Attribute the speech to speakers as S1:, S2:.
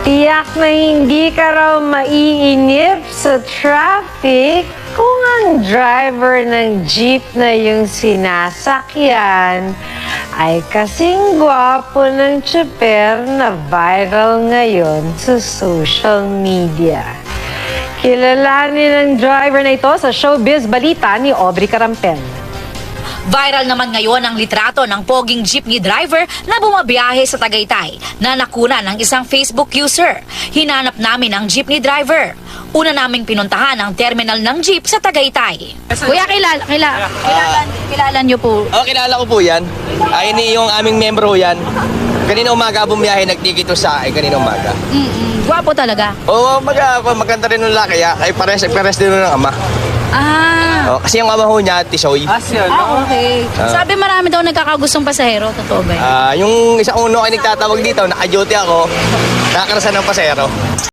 S1: Tiyak na hindi ka raw maiinip sa traffic kung ang driver ng jeep na yung sinasakyan ay kasing gwapo ng tsuper na viral ngayon sa social media. Kilalanin ang driver na ito sa Showbiz Balita ni Aubrey Carampel.
S2: Viral naman ngayon ang litrato ng poging jeepney driver na bumabiyahe sa Tagaytay na nakuna ng isang Facebook user. Hinanap namin ang jeepney driver. Una naming pinuntahan ang terminal ng jeep sa Tagaytay.
S3: Kuya, kilala niyo po.
S4: Oh, kilala ko po yan. Ini yung aming membro yan. Kanina umaga bumiyahe, nagtikito sa akin kanina umaga.
S3: Gwapo talaga.
S4: Oo, maganda rin ng laki. Ay pares din ng ama.
S3: Ah,
S4: Kasi yung ama ho niya, Tisoy.
S3: okay. Sabi marami daw nagkakagustong pasahero. Totoo ba yun?
S4: Yung isang uno ay nagtatawag dito, naka-duty ako, nakakarasan ng pasero.